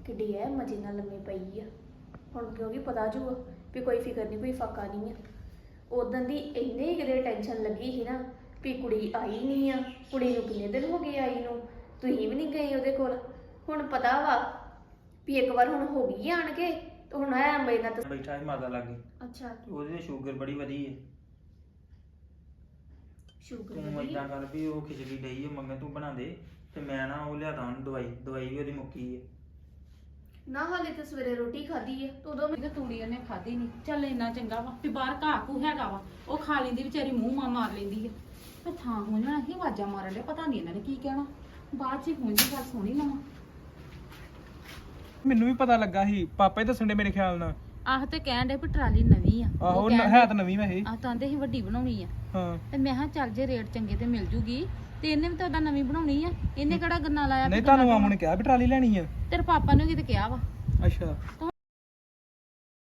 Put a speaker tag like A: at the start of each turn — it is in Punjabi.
A: ਕਿੱਡੀ ਐ ਮਜੇ ਨਾਲ ਲੰਮੀ ਪਈ ਆ। ਹੁਣ ਕਿਉਂਕਿ ਪਤਾ ਜੂਗਾ ਵੀ ਕੋਈ ਫਿਕਰ ਨਹੀਂ, ਕੋਈ ਫਾਕਾ ਨਹੀਂ ਆ। ਉਦੋਂ ਦੀ ਇੰਨੇ ਕਿਤੇ ਟੈਨਸ਼ਨ ਲੱਗੀ ਸੀ ਨਾ ਵੀ ਕੁੜੀ ਆਈ ਨਹੀਂ ਆ, ਕੁੜੀ ਨੂੰ ਕਿੰਨੇ ਦਿਨ ਹੋ ਗਏ ਆਈ ਨੂੰ, ਤੁਸੀਂ ਵੀ ਨਹੀਂ ਗਏ ਉਹਦੇ ਕੋਲ। ਹੁਣ ਪਤਾ ਵਾ ਵੀ ਇੱਕ ਵਾਰ ਹੁਣ ਹੋ ਗਈ ਆਣ ਕੇ ਤੇ ਹੁਣ ਐ ਮੇਰੇ ਨਾਲ
B: ਬੈਠਾ ਸੀ ਮਾਤਾ ਲਾਗੇ।
A: ਅੱਛਾ
B: ਉਹਦੇ ਸ਼ੂਗਰ ਬੜੀ ਵਧੀ ਹੈ।
A: ਸ਼ੂਗਰ
B: ਤੂੰ ਏਦਾਂ ਕਰ ਵੀ ਉਹ ਖਿਚੜੀ ਲਈ ਹੈ ਮੰਗੇ ਤੂੰ ਬਣਾ ਦੇ ਤੇ ਮੈਂ ਨਾ ਉਹ ਲਿਆਦਾ ਉਹਨੂੰ ਦਵਾਈ ਵੀ ਉਹਦੀ ਮੁੱਕੀ ਹੈ।
A: ਨਾ ਹਾਲੇ ਤੇ ਸਵੇਰੇ ਰੋਟੀ ਖਾਧੀ ਹੈ ਤੇ ਉਦੋਂ
C: ਤੇ ਤੂੜੀ ਉਹਨੇ ਖਾਧੀ ਨਹੀਂ। ਚੱਲ ਇੰਨਾ ਚੰਗਾ ਵਾ ਵੀ ਬਾਹਰ ਘਾਹ ਘੂ ਹੈਗਾ ਵਾ, ਉਹ ਖਾ ਲੈਂਦੀ ਵਿਚਾਰੀ, ਮੂੰਹ ਮਾਰ ਲੈਂਦੀ ਆ। ਤੇ ਥਾਂ ਹੋ ਜਾਣਾ ਹੀ ਆਵਾਜ਼ਾਂ ਮਾਰਨ ਦੇ, ਪਤਾ ਨਹੀਂ ਇਹਨਾਂ ਨੇ ਕੀ ਕਹਿਣਾ। ਬਾਅਦ ਚ ਹੁਣ ਦੀ ਗੱਲ ਸੁਣੀ ਲਵਾਂ।
D: ਮੈਨੂੰ ਵੀ ਪਤਾ ਲੱਗਾ ਸੀ, ਪਾਪਾ ਹੀ ਦੱਸਣ ਦੇ ਮੇਰੇ ਖਿਆਲ ਨਾਲ।
C: ਆਹ ਤੇ ਕਹਿਣ ਦੇ ਵੀ ਟਰਾਲੀ ਨਵੀਂ ਆ।
D: ਆਹੋ ਹੈ ਤਾਂ ਨਵੀਂ ਵੈਸੇ।
C: ਆਹ ਤਾਂ ਆਂਦੇ ਸੀ ਵੱਡੀ ਬਣਾਉਣੀ ਆ।
D: ਹਾਂ
C: ਤੇ ਮੈਂ ਕਿਹਾ ਚੱਲ ਜੇ ਰੇਟ ਚੰਗੇ ਤੇ ਮਿਲ ਜੂਗੀ। ਤੇ ਇਹਨੇ ਵੀ ਤਾਂ ਉਹਦਾ ਨਵੀਂ ਬਣਾਉਣੀ ਆ, ਇਹਨੇ ਕਿਹੜਾ ਗੰਨਾ ਲਾਇਆ।
D: ਨਹੀਂ ਤੁਹਾਨੂੰ ਮਾਮੂ ਨੇ ਕਿਹਾ ਵੀ ਟਰਾਲੀ ਲੈਣੀ ਆ?
C: ਤੇਰੇ ਪਾਪਾ ਨੇ ਕਿਤੇ ਕਿਹਾ ਵਾ।
D: ਅੱਛਾ